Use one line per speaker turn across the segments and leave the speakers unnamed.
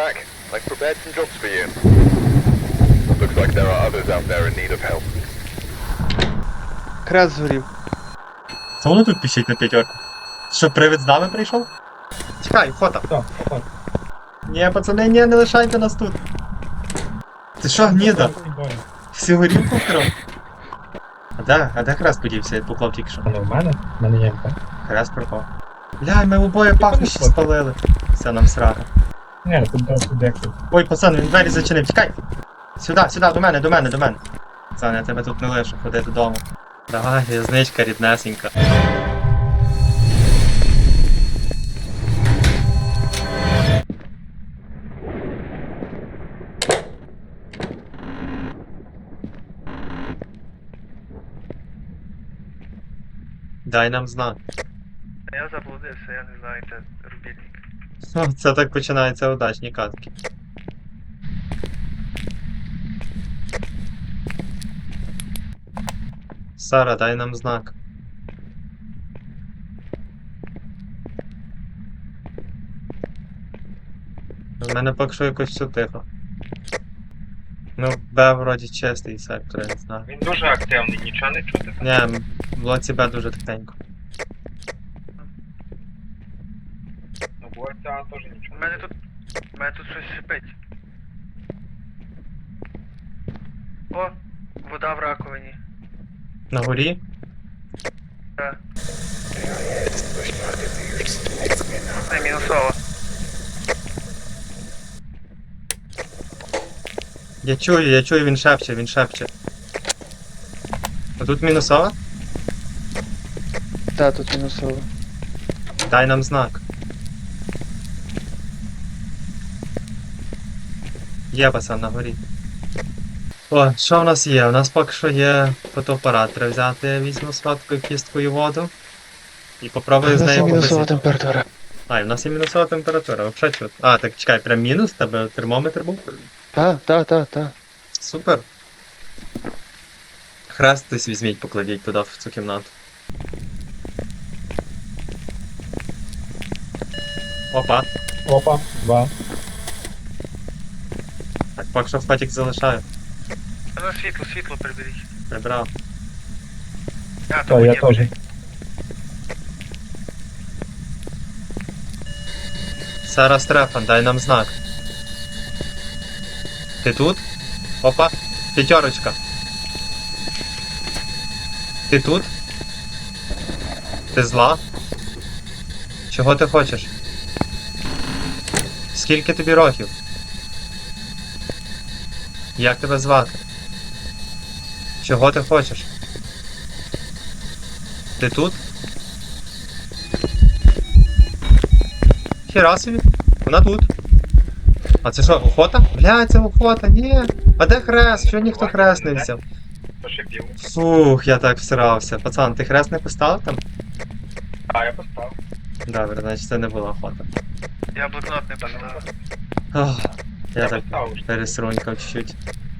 back. I've prepared some jobs for you. Looks like there are others out there in need of help.
Хрест згорів.
Це воно тут пищить на п'ятерку. Що, привид з нами прийшов? Чекай, фото.
Так, так.
Ні, пацани, ні, не лишайте нас тут. Ти що, гніда? Всю горілку вкрав? А де хрест подівся? Я поклав тільки що.
Але в мене? В мене є МП.
Хрест пропав. Бля, ми обоє пахнущі спалили. Все, нам срака.
Ні, тут декілька.
Ой, пацан, він двері зачинив, тікай! Сюди, до мене. Пацан, я тебе тут не лишу, ходи додому. Давай, в'язничка ріднесенька. Дай нам знак.
Я заблудився, я не знаю, де рубільник.
О, це так починаються удачні катки. Сара, дай нам знак. У мене поки що якось все тихо. Ну, Б вроді чистий сектор, я не знаю.
Він дуже активний, нічого не чути.
Ні, в блоці Б дуже тихенько.
Ну, буває, теж нічого.
У мене тут щось шипить. О, вода в раковині.
На горі?
Так. Це мінусова.
Я чую, він шепче. А тут мінусова?
Та, тут мінусово.
Дай нам знак. Є, пацан, на горі. О, що в нас є? У нас поки що є фотоапарат. Треба взяти, я візьму сладкою кісткою воду. І попробую з
У нас є
нею
мінусова
побесити.
температура.
А, і в нас є мінусова температура, взагалі чути. А, так чекай, прям мінус? Тебе термометр був?
Та.
Супер. Хрест хтось візьміть, покладіть туди, в цю кімнату. Опа.
2.
Так, поки що фатік залишаю.
Ну, світло приберіть.
Прибрав.
А,
Так, я теж.
Сара Стрефан, дай нам знак. Ти тут? Опа, п'ятерочка. Ти тут? Ти зла? Чого ти хочеш? Скільки тобі років? Як тебе звати? Чого ти хочеш? Ти тут? Хіра собі, вона тут. А це що, охота? Бля, це охота, ні. А де хрест? Чого ніхто хрест не взяв?
Пошипів.
Фух, я так всирався. Пацан, ти хрест не поставив там?
А, я поставив.
Добре, значить це не була охота.
Я блокнот не поставив.
Ох, я
Я
так
поставив.
пересрунькав чуть-чуть.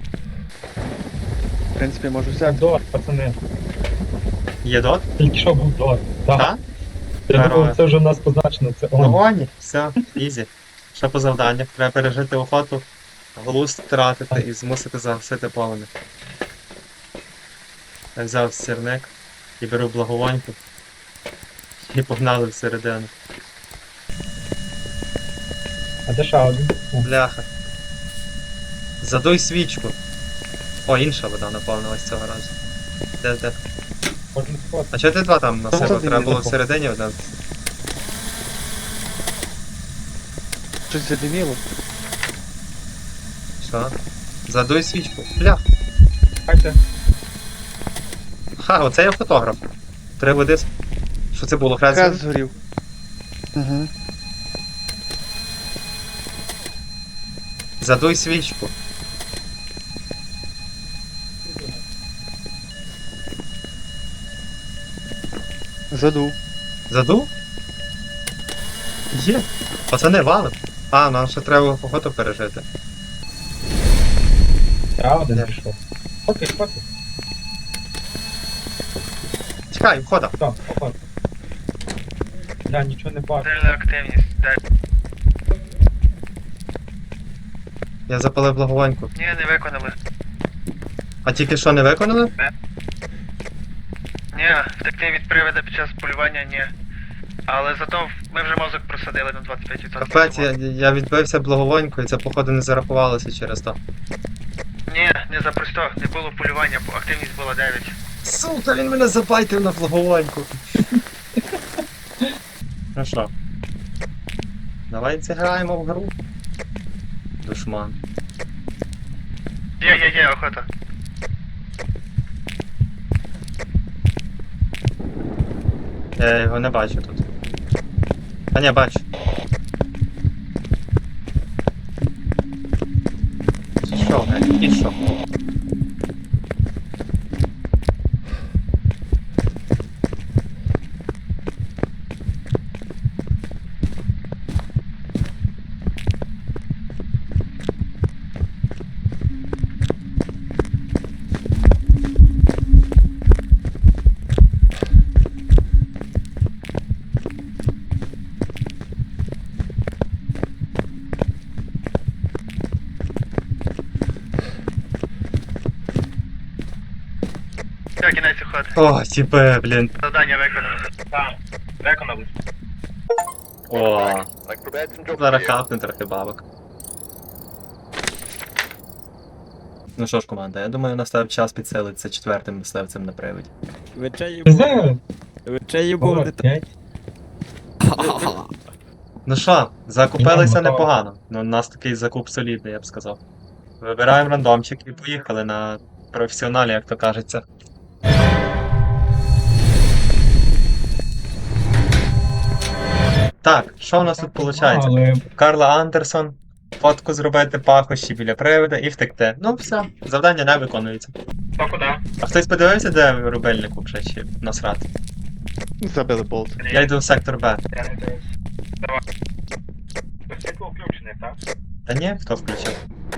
В принципі, можу
Так,
взяти.
дот, пацани.
Є дот?
Тільки що був дот. Так.
Так?
Я
Здорово.
думав, це вже в нас позначено, це он.
Вогоні, все, ізі. Що по завданнях? Треба пережити охоту, глузд втратити і змусити загасити полум'я. Я взяв сірник і беру благовоньку. І погнали всередину.
А де ще один?
Бляха. Задуй свічку. О, інша вода наповнилась цього разу. Де?
Кожен спот.
А чого ти два там насипав?
Один
Треба було
запав.
всередині один.
Щось задиміло.
Що? Задуй свічку. Блях.
Хайте.
Ха, оце я фотограф. 3 води. Що це було? Хрест?
Хрест згорів. Угу.
Задуй свічку.
Задув.
Задув? Є. Пацани, валим. А, нам ще треба охоту пережити.
Я один
Де?
пішов. Окей, хватить.
Чекай, входа.
Так, хватить. Я нічого не бачу.
Сильна активність. Дай.
Я запалив благовоньку.
Ні, не виконали.
А тільки що не виконали?
Ні, втекти від привида під час полювання ні. Але зато ми вже мозок просадили на 25%.
Капець, я відбився благовоньку і це походу не зарахувалося через то.
Ні, не за просто, не було полювання, бо активність була 9.
Сука, він мене забайтив на благовоньку. Ну що? Давай зіграємо в гру. Душман.
Є, охота.
Я його не бачу тут. А ні, бачу. Що, блядь, і що?
Все, кінець охоти.
О, тіпе, блін.
Завдання виконано.
Так, виконали.
О,
I've prepared some jobs for
зараз
you.
капне трохи бабок. Ну що ж, команда, я думаю, настав час підселитися четвертим мисливцем на приводі.
Вечею
Не
був.
знаю.
Вечею був не так.
5.
Ну що, закупилися
Ідемо,
непогано. Ну, у нас такий закуп солідний, я б сказав. Вибираємо рандомчик і поїхали на професіоналі, як то кажеться. Так, що у нас тут виходить?
Але
Карла Андерсон, фотку зробити пахощі біля привода і втекти. Ну все, завдання не виконується.
то куди?
А хтось подивився, де рубельник вже чи насрати?
Забили болт.
Я йду в сектор Б.
Я не дивився. Давай. Світло включене, так?
Та ні, хто включив?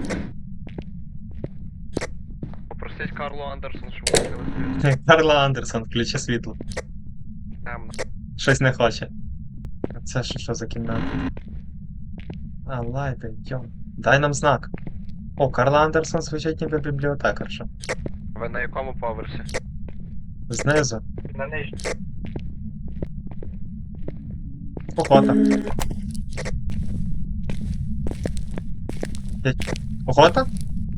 Попросить Карло Андерсон, щоб виходили.
Карла Андерсон, включи світло.
Темно.
Щось не хоче. А це що за кімната? А, лайти, йом. Дай нам знак. О, Карла Андерсон звучить ніби бібліотекарша.
Ви на якому поверсі?
Знизу.
На нижній.
Охота. Охота?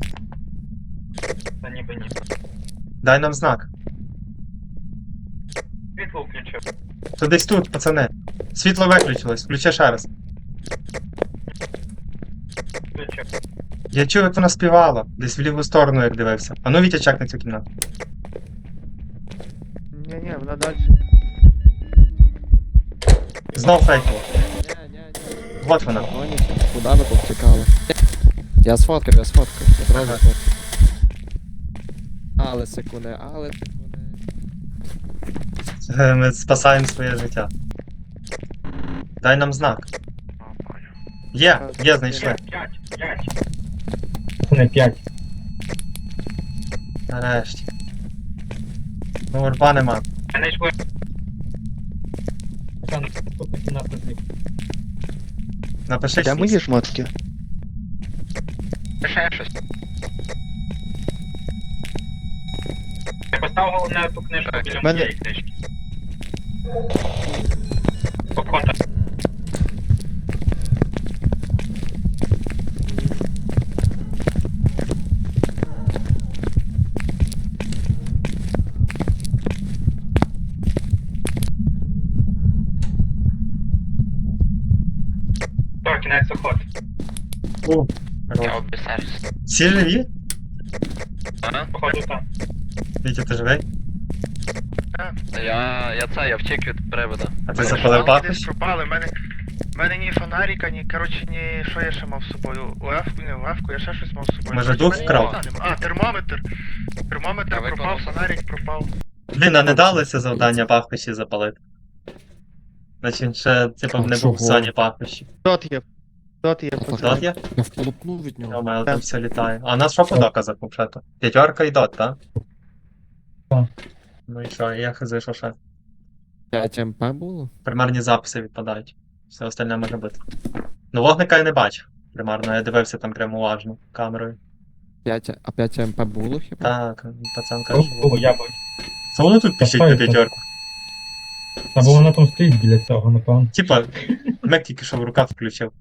Та ніби ні.
Дай нам знак.
Світло включив.
То десь тут, пацани. Світло виключилось, включи ще раз.
Включив.
Я чув, як вона співала. Десь в ліву сторону, як дивився. А ну Вітя, чекни цю кімнату.
Ні, вона далі.
Знов фейково.
Ні.
Вот вона.
Куда ви повтікали? Я сфоткав. Я одразу сфоткав. Але секунди.
Ми спасаємо своє життя. Дай нам знак. Є, знайшли.
5. Не 5.
Нарешті. Ну, орба нема.
Я знайшли. Там наступна кімната зліва.
Напиши
Де
6.
мої шмотки?
Ще щось.
Я поставив головне ту книжку біля
Мене-
моєї книжки. Охота. Так, кінець охоти.
О,
Я обіцяюсь.
всі живі?
Походу там.
Вітя, ти живий?
Я втік від привода.
А ти запалив
Десь
пахощі?
пропали, в мене ні фонарика, ні, коротше, ні, що я ще мав з собою? Левку, я ще щось мав з собою.
Може,
Коротше,
дух
в мене
вкрав?
нічого нема. А, термометр. Термометр
Я
пропав,
виконав.
фонарик пропав.
Блін, а не дали це завдання пахощі запалити. Значить, він ще, типу,
А
не
чого?
був в зоні пахощі.
Тот є.
Дот є?
Я вполупнув від нього.
Йома, там все літає. А у нас що по доказах, взагалі-то? П'ятерка і дот, так?
Так.
Ну і що, я хз, що ще?
5 МП було?
Примерні записи відпадають. Все остальне може бути. Ну, вогника я не бачив. примарно. Я дивився там прямо уважно камерою.
5 МП було хіба?
Так, пацан каже.
О, я бачу.
Це воно тут пишіть на
Поставити.
п'ятерку.
Та бо вона там стоїть біля цього, напевно.
Типа, Мек тільки що в рукав включив.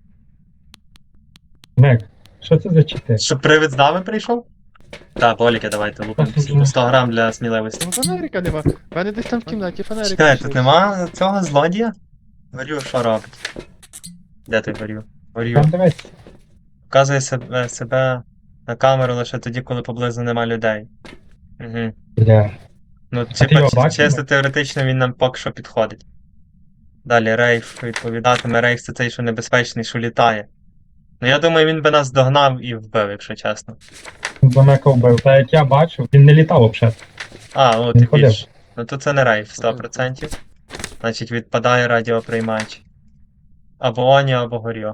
Мек, що це за чити?
Щоб привид з нами прийшов? Так, боліки, давайте лупимо. всі. 100 грам для сміливості.
Ну фонарика нема. В мене десь там в кімнаті фонарик.
Чекай,
лишився.
тут нема цього злодія? Горю, що робить? Де ти горю? Горю.
Там дивись.
Показує себе на камеру лише тоді, коли поблизу нема людей. Угу.
Бля.
Ну,
ти його бачив?
чисто теоретично він нам поки що підходить. Далі рейф відповідатиме. Рейф це цей, що небезпечний, що літає. Ну я думаю, він би нас догнав і вбив, якщо чесно.
За Мека вбив. Та як я бачив, він не літав взагалі.
А, ну
Він
ти
ходив.
більш. Ну то це не рейф 100%. Значить, відпадає радіоприймач. Або Оні, або Горьо.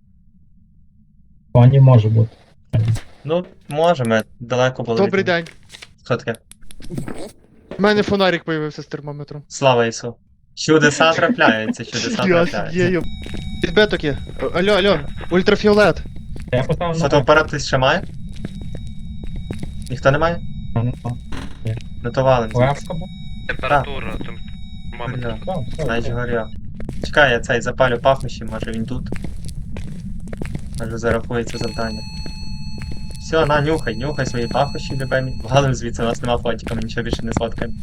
Пані може бути.
Ну, може, ми далеко були.
Добрий
від нього.
день.
Що таке?
У мене фонарик появився з термометром.
Слава Ісу. Чудеса трапляються, чудеса
Я
трапляються.
є. Підбеток є. Алло, ультрафіолет.
Я поставив на
Фотоапарат хтось ще має? Ніхто не має? Ну то валим.
Левка був.
Температура,
Горьо.
Так, все,
Значить
все.
Горьо. Чекай, я цей запалю пахощі, може він тут. Може зарахується завдання. Все, на, нюхай свої пахощі, любимі. Валим звідси, у нас нема фотика, ми нічого більше не сфоткаємо.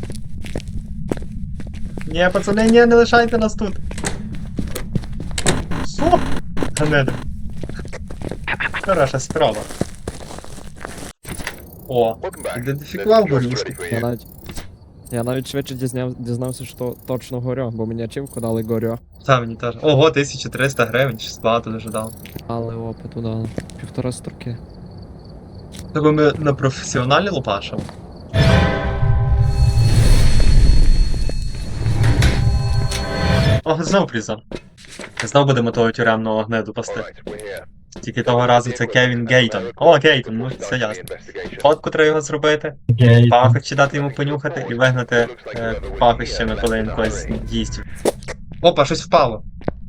Ні, пацани, ні, не лишайте нас тут. Що? Ганеда. Хороша спроба. О,
Welcome back.
ідентифікував
This job's
горюшку.
ready for
Я
you.
навіть швидше дізнався, що точно горю, бо мені ачівку дали горю.
Та мені теж. Ого, 1300 гривень, щось багато дуже дав.
Але опиту дали. 1,5 строки.
Тобто ми на професіоналі лупашимо. О, знов призом. Знов будемо того тюремного гнеду пасти.
Alright, we're here.
Тільки того разу це Кевін Гейтон. О, Гейтон, ну все
Start the
ясно.
investigation.
Фотку треба його зробити,
Гей.
пахощі дати йому понюхати і вигнати пахощами, коли він когось їсть. Опа, щось впало.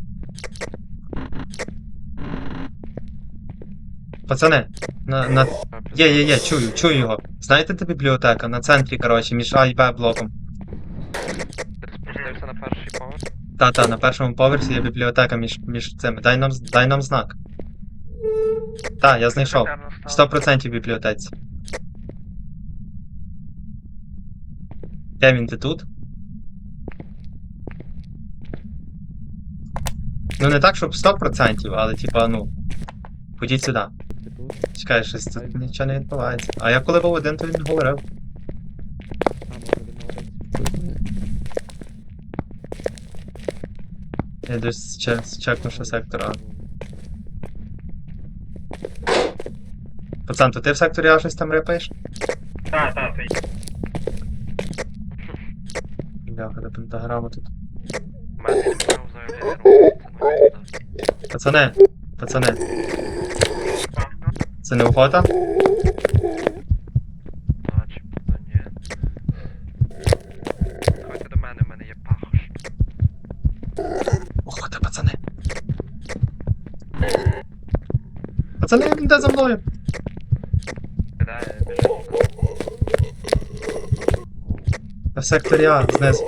Пацани, є, чую його. Знаєте, де бібліотека? На центрі, коротше, між А і Б блоком.
Спустився на перший поверх.
Та, на першому поверсі є бібліотека між цими. Дай нам знак. Та, я знайшов. 100% в бібліотеці. Кевін, ти тут? Ну не так, щоб 100%, але типа, ну. Ходіть сюди. Чекай, щось тут нічого не відбувається. А я коли був один, то він говорив. Я десь чекну, що сектор А. Пацан, то ти в секторі А щось там репаєш?
Так,
Бляха, де пентаграма тут.
У мене не почав заявляти.
Пацани. Це не охота?
Начебто ні. Ходьте до мене, в мене є пахощ.
Охота, пацани. Пацани, він йде за мною.
Кидає, біжить.
В секторі А, знизу.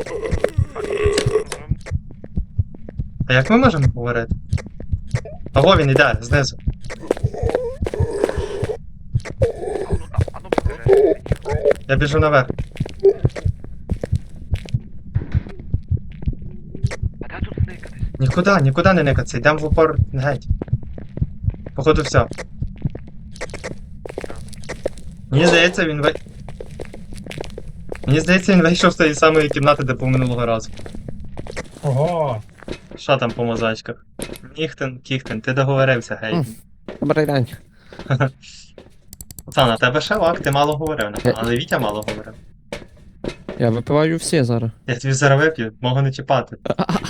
А як ми можемо говорити? Ого, він йде, знизу.
А ну покажи.
Я біжу наверх.
А де тут зникатись?
Нікуди не никатися, йдемо в упор геть. Походу все. Мені здається, він вийшов з тієї самої кімнати, де був минулого разу.
Ого.
Що там по мозачках? Кіхтен, ти договорився, гей.
Добрий день.
Пацан, а тебе ще лак, ти мало говорив, напевно, але Вітя мало говорив.
Я випиваю всі зараз.
Я тобі зараз вип'ю, можу не чіпати.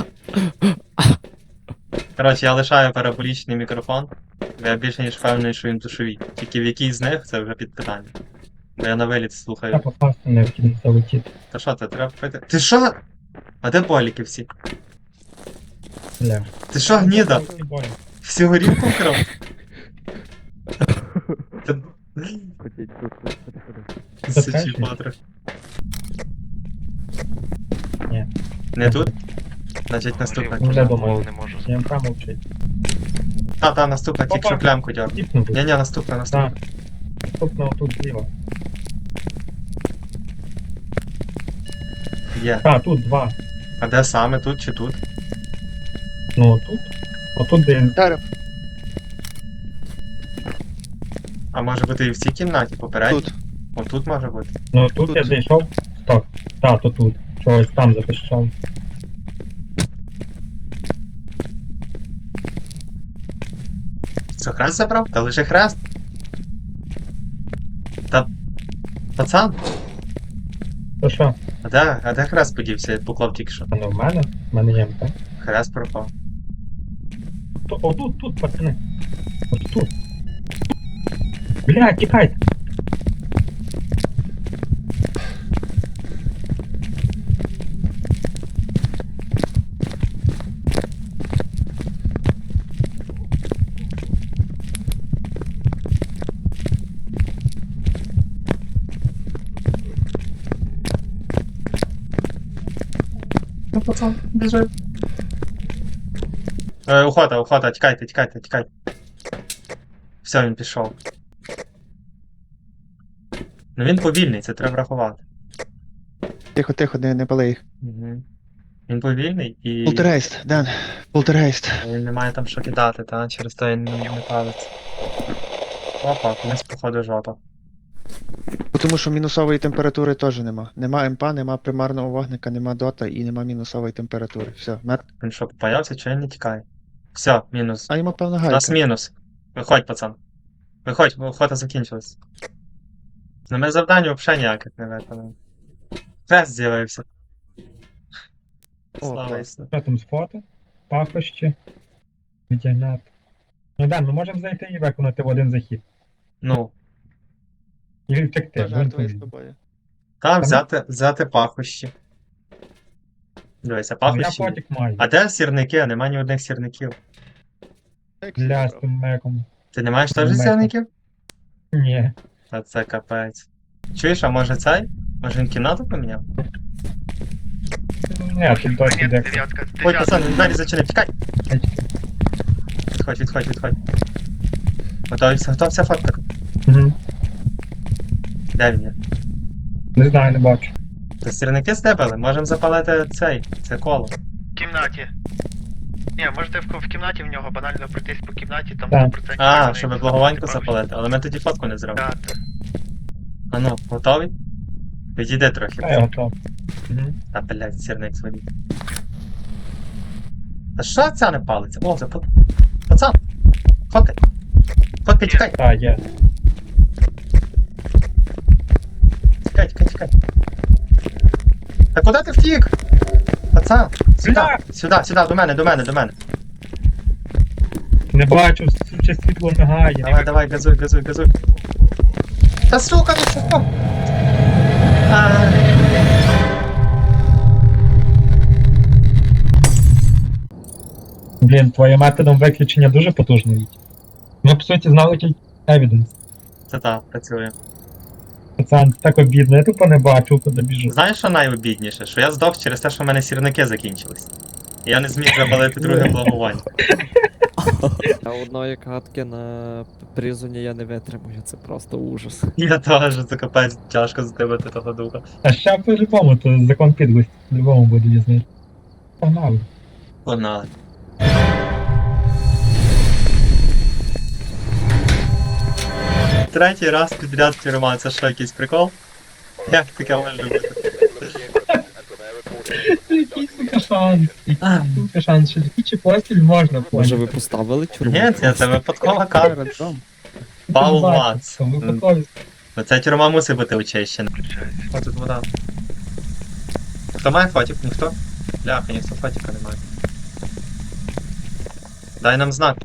Коротше, я лишаю параболічний мікрофон, бо я більше ніж впевнений, що він душовий. Тільки в якій з них, це вже під питання. Бо я на виліт
Я
слухаю.
попасти не вкинув залетіти.
Та що, це треба пити? Ти що? А де боліки всі?
Бля.
Ти що, гніда? Всю горілку вкрав? Та-
Ходіть тут, ходи.
Сучий патрик.
Ні.
Не тут? Значить наступна.
Вже думаю.
Не можу.
Я промовчить.
Та, наступна, тільки що плямку дьор.
Тіпнув.
Ні, наступна.
Так. Наступного тут зліва.
Є.
Так, тут два.
А де саме, тут чи тут?
Ну, тут. Отут де.
Зараз,
А може бути і в цій кімнаті попередній?
тут.
Отут може бути.
Ну, тут я
Тут.
зайшов. Стоп. Так, то тут. Чогось там захищав.
Це хрест забрав? Та лише хрест. Та. Пацан,
То що?
а де хрест подівся? Я поклав тільки що.
А не в мене? В мене є МП.
Хрест пропав.
То, отут, тут, пацани. Ось тут. Бля, тікайте.
Ну, пацан, біжи. Охота, тікайте. Все, він пішов. Ну він повільний, це треба врахувати.
Тихо, не пали їх.
Угу. Він повільний і
Полтергейст, Ден. Полтергейст.
він не має там що кидати, та? Через то він не палиться. Опа, комусь походу жопа.
Тому що мінусової температури теж нема. Нема МП, нема примарного вогника, нема дота і нема мінусової температури. Все, мертв.
Він що, попаявся, чи він не тікає? Все, мінус.
А йому певно
У
гайка.
нас мінус. Виходь, пацан. Виходь, бо охота закінчилась. На мене завдання взагалі ніяких не виконано. Хрест з'явився.
О,
Слава
клас.
Ісу.
Що там з фото? Пахощі. Відтягняти. Ну да, ми можемо зайти і виконати в один захід.
Ну,
І втекти.
Я жартую з тобою.
там взяти пахощі. Дивися,
Ну, я
пахощі.
потік маю.
А де сірники? Нема ні одних сірників.
Бля, з тим меком.
Ти не маєш теж
Нема.
сірників?
Ні.
Та це капець. Чуєш, а може цей? Може він кімнату поміняв?
Ні, тут досі
Ні,
де.
дев'ятка.
Ой, пацан, він двері зачинив, тікай!
Ай,
Відходь. Готовся фоткати.
Угу.
Де він є?
Не знаю, не бачу.
То сірники здебили, можемо запалити це коло.
В кімнаті. Ні, можете в кімнаті в нього банально пройтись по кімнаті, там
Так.
100%
А,
вони
щоб
запалять
благовоньку
пахощі.
запалити, але ми тоді фотку не зробимо.
Так.
А ну, готовий? Відійди трохи.
А я готов. Угу.
Та, блядь, сірник свої. Та що ця не палиться? О, це пацан! Фоткай, тікай!
Так, є.
Тікай. Та куди ти втік? Пацан,
Бля!
сюди, до мене.
Не бачу, суче світло мигає.
Давай, газуй. Та сука, ну що?
Блін, твоїм методом виключення дуже потужний. Ми, по суті, знали тільки evidence.
Це так, працює.
Пацан, це так обідно, я тупо не бачу, куди біжу.
Знаєш, що найобідніше? Що я здох через те, що в мене сірники закінчились. І я не зміг запалити друге благовоння.
А одної катки на призоні я не витримую, це просто ужас.
Я теж, це капець тяжко здибати того духа.
А ще по-любому, то закон підлості. По-любому буде дізнати. Погнали.
Погнали. Третій раз підряд тюрма, це що, якийсь прикол? Як таке може бути?
Який сука шанс. Який сука шанс, що такі чи постіль можна
Може ви
поняти.
поставили тюрму?
Ні, це випадкова камера. Паул Ватс.
Там випадкові.
Ну ця тюрма мусить бути очищена. О, тут вода. Хто має фотик? Ніхто? Бляха, ніхто фотика не має. Дай нам знак.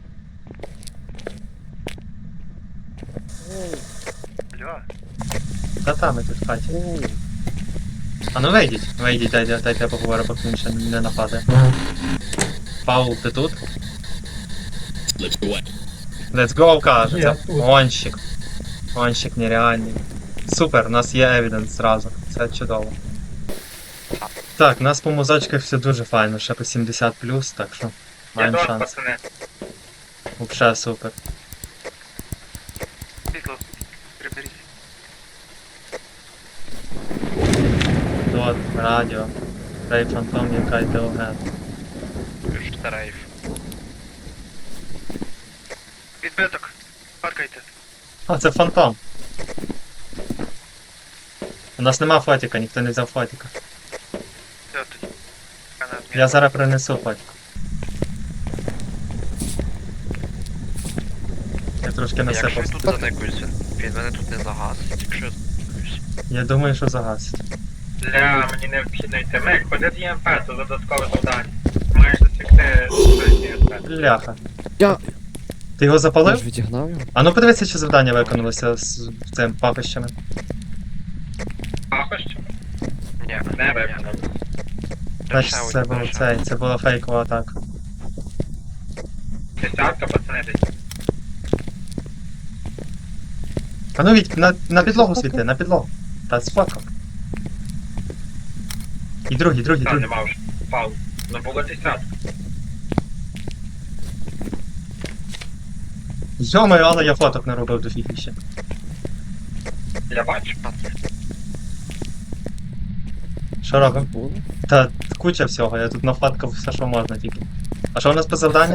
Алло.
Та ми тут в хаті. А ну вийдіть, дайте я поговорю, поки він ще не нападе. Паул, ти тут? Let's go, каже.
Я
Це
тут.
гонщик. Гонщик нереальний. Супер, у нас є евіденс зразу. Це чудово. Так, у нас по музичках все дуже файно, ще по 70 так що маємо
Я
шанс.
пацани.
Вообще супер.
Світло. Приберіть.
Дот, радіо. Рей фантом, яка йде оген.
Рейф.
Відбиток. Паркайте.
А, це фантом. У нас нема фотіка, ніхто не взяв фотіка.
Все тоді.
Я зараз принесу фотіку. Я трошки
Якщо
насипав.
він тут заникується, він мене тут не загасить, якщо я заникуюсь.
Я думаю, що загасить.
Для мені необхідно йти. Мик, ходи з ЄМП, це додаткове завдання. Маєш засікти ЄМП.
Бляха.
Я-
Ти його
Я
запалив?
ж відігнав його.
А ну подивися, чи завдання виконалося з цим пахощами.
Пахощі?
Ні,
Не
ні.
виконав.
Значить, це було цей, це була фейкова атака.
Десятка, пацани, десь.
А ну Віть, на підлогу світи, на підлогу. Та сфоткав. І другий.
Там нема вже. Впав. Ну було десятка.
Йомаю, але я фоток не робив до фіги ще.
Я бачу.
Що робимо?
Було?
Та куча всього, я тут нафоткав все, що можна тільки. А що у нас по завданнях?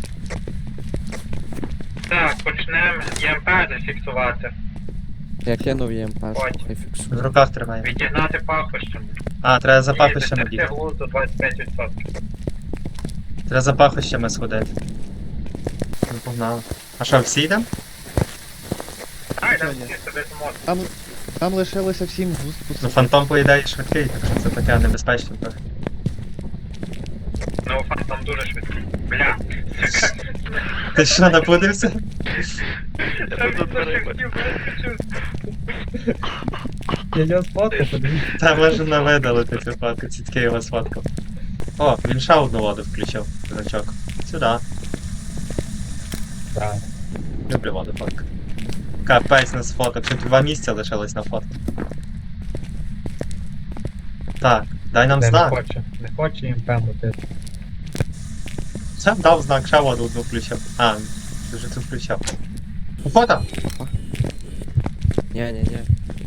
Так, почнемо ЄМП зафіксувати.
Я кинув ЄМП,
Ой.
хай
В
фіксує.
руках тримає.
Відігнати пахощами.
А, треба за
І
пахощами
досягти
бігти.
глузду 25%.
Треба за пахощами сходити. Ну погнали. А що, всі йдемо?
Ай, там
Що є?
всі собі зможуть.
Там лишилося 7 густ.
Ну фантом по ідеї швидкий, так що це таке небезпечно трохи.
Ну, фантом дуже швидкий. Бля.
Ти що, напудився?
Я тут Я його сфоткав, подивіться.
Та може не видалити цю фотку, тільки його сфоткав. О, він ще одну воду включив, дурачок. Сюди.
Так.
Люблю воду фотку. Капець на фоток, ще 2 місця лишилось на фотку. Так, дай нам
Не
знак.
хоче. Не хоче ЄМП мутити.
Це дав знак, ще воду одну включив. А, ти вже тут включав. У фото?
Ні.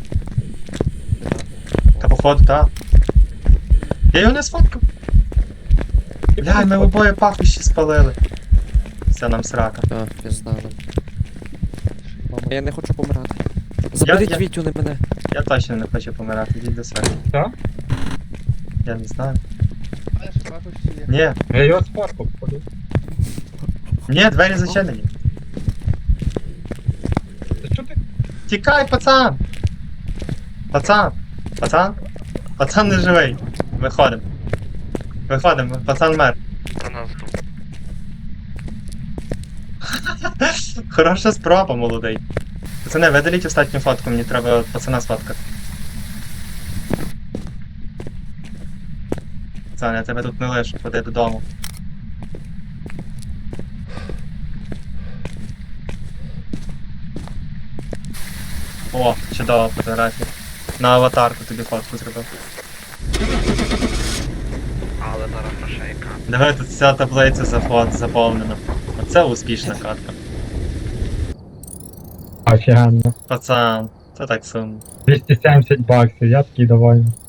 Та походу, так. Я його не сфоткав. Бля, ми обоє пахощі спалили. Це нам срака.
Так, пізда нам. Мама, я не хочу помирати. Заберіть
я-
Вітю, не мене.
Я точно не хочу помирати, йдіть до себе.
Що?
Я не знаю.
Є.
Ні,
Я його сфоткав, подивіться.
ні, двері зачинені.
Та що ти?
Тікай, пацан! Пацан не живий. Виходимо. Пацан мер.
Та нас тут.
Хороша спроба, молодий. Пацани, видаліть останню фотку, мені треба пацана сфоткати. Пацан, я тебе тут не лишу, ходи додому. О, чудова фотографія. На аватарку тобі фотку зробив.
Але зараз прошейка.
Диви, тут вся таблиця заповнена. Оце успішна катка.
Офігенно.
Пацан, це так сумно.
270 баксів, я такий довольний.